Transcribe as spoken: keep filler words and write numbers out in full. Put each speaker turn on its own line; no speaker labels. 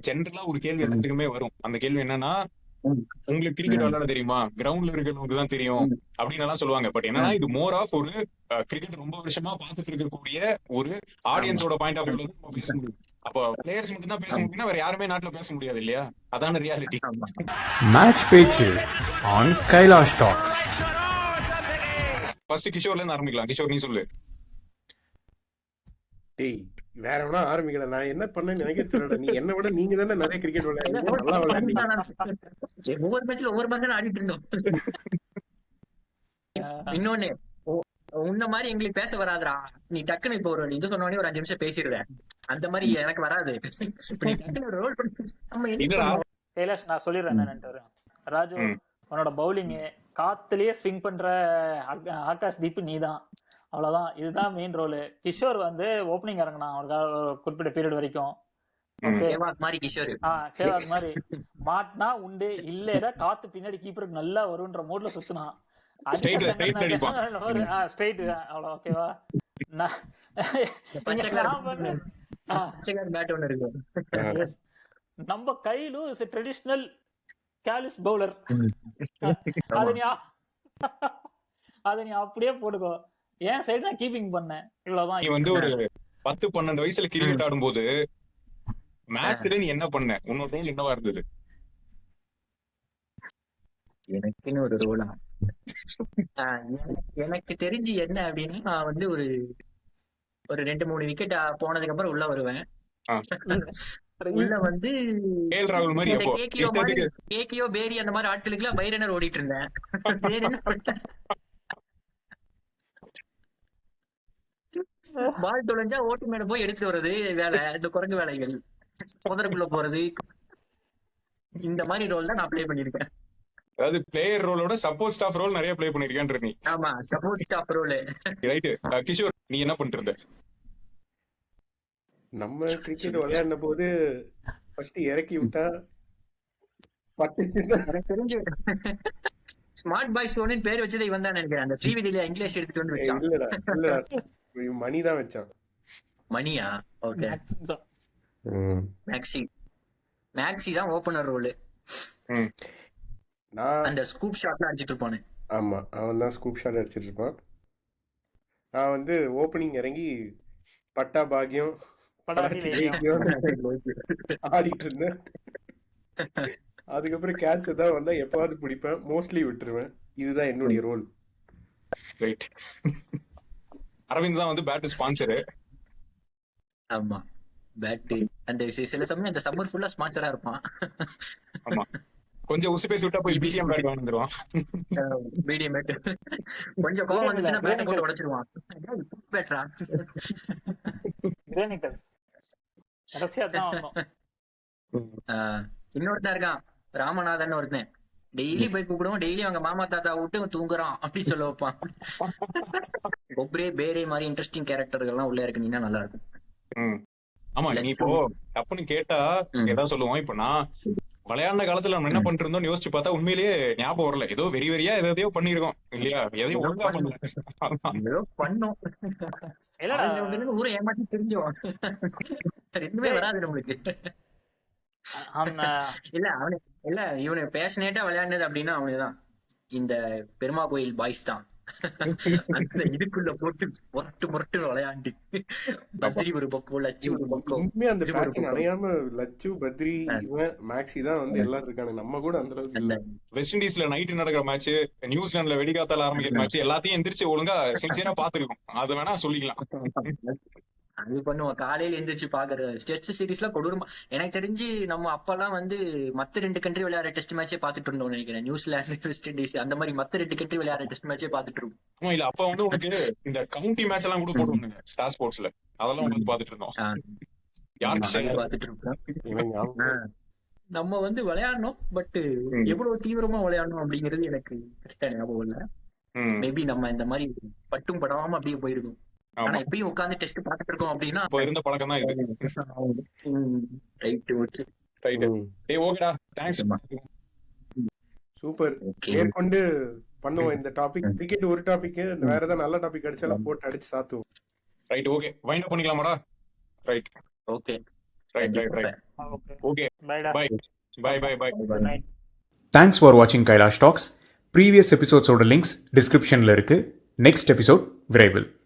ஜென்ரலா ஒரு கேள்வி எல்லாத்துக்குமே வரும். அந்த கேள்வி என்னன்னா, உங்களுக்கு கிரிக்கெட் விளையாட தெரியுமா, கிரவுண்ட்ல இருக்கிறவங்களுக்கு தான் தெரியும் அப்படின்னு எல்லாம் சொல்லுவாங்க. பட் என்னன்னா இது மோர் ஆஃப் ஒரு கிரிக்கெட் ரொம்ப வருஷமா பார்த்துட்டு இருக்கக்கூடிய ஒரு ஆடியன்ஸோட பாயிண்ட் ஆஃப் வியூல நம்ம பேச முடியும். அப்போ பிளேயர்ஸ் மட்டும் தான் பேச முடியும்னா வேற யாருமே நாட்டுல பேச முடியாது இல்லையா? அதான ரியாலிட்டி.
மேட்ச் பேச்சு ஆன் கைலாஷ் டாக்ஸ்.
ஃபர்ஸ்ட் கிஷோர்ல இருந்து ஆரம்பிக்கலாம். கிஷோர் நீ சொல்லு.
டேய் வேற எவனா ஆரம்பிக்கல, நான் என்ன பண்ணேன்னு எனக்கே தெரியல. நீ என்ன விட நீங்க தானே நிறைய கிரிக்கெட் விளையாடுறீங்க, நல்லா விளையாடுறீங்க.
ஒவ்வொரு மேட்ச்ல ஒவ்வொரு மாதிரி தான் ஆடிட்டு இருந்தோம். இன்னொன்னு உன்ன மாதிரி எங்களுக்கு பேச வராதுடா. நீ டக்குன்னு இப்போ ஒரு இது சொன்ன ஒரு அஞ்சு நிமிஷம் பேசிடுற, அந்த மாதிரி எனக்கு வராது.
கைலாஷ் நான் சொல்லிடுறேன் என்னன்னு. ராஜு உன்னோட பவுலிங் காத்துலயே ஸ்விங் பண்ற ஆகாஷ் தீப் நீ தான், அவ்வளவுதான். இதுதான் மெயின் ரோல். கிஷோர் வந்து ஓப்பனிங் இறங்கினான் ஒரு குறிப்பிட்ட பீரியட் வரைக்கும்.
சேவாக் மாதிரி கிஷோர்
சேவாக் மாதிரி மாட்டினா உண்டு, இல்ல காத்து பின்னாடி கீப்பருக்கு நல்லா வரும்ன்ற மூட்ல சுத்தினான். ஸ்ட்ரைட் அவ்வளவு ஓகேவா. நம்ம கையிலு ட்ரெடிஷனல் கேலிஸ் பவுலர், அத நீ அத நீ அப்படியே போட்டுக்கோ. ஏன் சைடு நான் கீப்பிங் பண்ணேன், இவ்வளவுதான்.
நீ வந்து ஒரு பத்து பன்னெண்டு வயசுல கிரிக்கெட் ஆடும்போது மேட்ச்ல நீ என்ன பண்ண, உன்னோட ரோல் என்னவா இருந்தது?
எனக்குன்னு ஒரு ரோலா, எனக்கு தெரிஞ்சு என்ன அப்படின்னா, நான் வந்து ஒரு ஒரு ரெண்டு மூணு விக்கெட் போனதுக்கு அப்புறம் உள்ள வருவேன். உள்ள வந்து கேக்கியோ பேரி அந்த மாதிரி ஆட்களுக்கு எல்லாம் பைரனர் ஓடிட்டு இருந்தேன். பால் தொலைஞ்சா ஓட்டு மேல போய் எடுத்து வர்றது வேலை, இந்த குரங்கு வேலைகள், புதருக்குள்ள போறது, இந்த மாதிரி ரோல் தான் நான் ப்ளே பண்ணிருக்கேன்.
அதாவது பிளேயர் ரோலோட சப்போர்ட் ஸ்டாஃப் ரோல் நிறைய ப்ளே பண்ணிருக்கேன்ற நீ.
ஆமா, support staff role.
Right. Kishore நீ என்ன பண்ணிட்டு இருந்த?
நம்ம கிரிக்கெட் விளையாடின போது ஃபர்ஸ்ட் இறக்கி விட்டா
எனக்கு தெரிஞ்சு ஸ்மார்ட் பாய்ஸ் ஒன்னு பேர் வச்சதை இவன் தான் நினைக்கிறேன். அந்த ஸ்ரீவிதியில இங்கிலீஷ் எடுத்துட்டு வந்து வச்சான்.
இல்லடா இல்லடா, மணி தான் வச்சான்.
மணியா? ஓகே. மேக்ஸி மேக்ஸி தான் ஓபனர் ரோல்.
நான்
அந்த ஸ்கூப் ஷாட்ல அடிச்சிட்டு இருப்பானே.
ஆமா, அவன் தான் ஸ்கூப் ஷாட் அடிச்சிட்டு இருப்பான். நான் வந்து ஓப்பனிங் இறங்கி பட்டா பாக்கியம் ஆடிட்டு இருந்தேன். அதுக்கப்புறம் கேட்ச் தான் வந்தா எப்பாவது பிடிப்பேன், மோஸ்ட்லி விட்டுருவேன். இதுதான் என்னுடைய ரோல்.
ரைட். அரவிந்த் தான் வந்து பேட் ஸ்பான்சர்.
ஆமா, பேட் அந்த சில சமயம் அந்த சம்மர் ஃபுல்லா ஸ்பான்சரா இருப்பான்.
ஆமா, கொஞ்சம் உசு பேசி விட்டா போய் பிசிஎம் பேட் வாங்கிடுவான்.
மீடியம் பேட் கொஞ்சம் கோவம் வந்துச்சுன்னா பேட் போட்டு உடைச்சிருவான். பேட்ரா
கிரானிட்டஸ் கடைசியா தான் வந்தோம்.
இன்னொருத்தன் இருக்கான், ராமநாதன் ஒருத்தன். டெய்லி போய் கூப்பிடுவோம், டெய்லி அவங்க மாமா தாத்தா விட்டு தூங்குறான் அப்படின்னு சொல்ல வைப்பான். ஒப்ரே பேரே மாதிரி இன்ட்ரெஸ்டிங் கேரக்டர்கள்லாம் உள்ள இருக்குனீங்கன்னா நல்லா இருக்கும்.
ஆமா, நீ இப்போ தப்புன்னு கேட்டா ஏதாவது சொல்லுவோம். இப்ப நான் விளையாண்ட காலத்துல நம்ம என்ன பண்ணிட்டு இருந்தோம் யோசிச்சு பார்த்தா உண்மையிலேயே ஞாபகம் வரல. ஏதோ வெறி வெறியா எதையோ பண்ணிருக்கோம் இல்லையா? எதையும் ஒழுங்கா பண்ணல,
பண்ணோம். ஊரை ஏமாத்தி தெரிஞ்சோம். ரெண்டுமே வராது நம்மளுக்கு. இல்ல அவனு இல்ல இவனு பேஷனேட்டா விளையாடுனது அப்படின்னா அவனுதான் இந்த பெருமா கோயில் பாய்ஸ் தான். அந்த இதுக்குள்ள போட்டு முரட்டு முரட்டு விளையாண்டு பத்ரி ஒரு பக்கம், லட்சு ஒரு பக்கம்.
அந்த பேட்டிங் அணையாம லட்சு, பத்ரி, இவன் மேக்ஸி தான் வந்து எல்லாரும் இருக்காங்க. நம்ம கூட அந்த அளவுக்கு இல்ல.
வெஸ்ட் இண்டீஸ்ல நைட் நடக்கிற மேட்ச், நியூசிலாந்துல வெடிகாத்தால ஆரம்பிக்கிற மேட்ச் எல்லாத்தையும் எந்திரிச்சு ஒழுங்கா சின்சியரா பாத்துருக்கோம். அது வேணா சொல்லிக்கலாம்.
அது பண்ணுவோம், காலையில எந்திரிச்சு பாக்குற டெஸ்ட் சீரீஸ்ல கொடூரமா. எனக்கு தெரிஞ்சு நம்ம அப்பெல்லாம் வந்து மத்த ரெண்டு கண்ட்ரி விளையாடுற டெஸ்ட் மேட்சே பாத்துட்டு இருந்தோம் நினைக்கிறேன். நியூசிலாந்து, வெஸ்ட் இண்டீஸ் அந்த மாதிரி மத்த ரெண்டு கண்ட்ரி விளையாடுற டெஸ்ட் மேட்சே பாத்துட்டு இருந்தோம்.
ஆமா, இல்ல அப்ப வந்து உனக்கு இந்த கவுண்டி மேட்ச் எல்லாம் கூட போடுவாங்க ஸ்டார் ஸ்போர்ட்ஸ்ல, அதெல்லாம் உங்களுக்கு பாத்துட்டு இருந்தோம்.
பாத்துட்டு இருக்கோம். நம்ம வந்து விளையாடணும், பட் எவ்வளவு தீவிரமா விளையாடணும் அப்படிங்கிறது எனக்கு கரெக்டா ஞாபகம் இல்ல. மேபி நம்ம இந்த மாதிரி பட்டும் படாம அப்படியே போயிருக்கோம். ஆனா இப்பயும் உட்கார்ந்து டெஸ்ட் பாத்துட்டு இருக்கோம் அப்படின்னா
இருந்த பழக்கம் தான் இது.
Right okay
right. ஏய் ஓகேடா, தேங்க்ஸ்.
சூப்பர். மேற்கொண்டு பண்ணுவோம் இந்த டாபிக். கிரிக்கெட் ஒரு டாபிக், வேற ஏதாவது நல்ல டாபிக் அடிச்சாலும் போட்டு அடிச்சு சாத்துவோம்.
ரைட் ஓகே, வைண்ட் அப் பண்ணிக்கலாமாடா? Right
okay
right right right.
Okay
okay
பைடா
bye bye bye bye
good night.
Thanks for வாட்சிங் கைலாஷ் டாக்ஸ். ப்ரீவியஸ் எபிசோட்ஸோட லிங்க்ஸ் டிஸ்கிரிப்ஷனில் இருக்குது. நெக்ஸ்ட் எபிசோட் விரைவில்.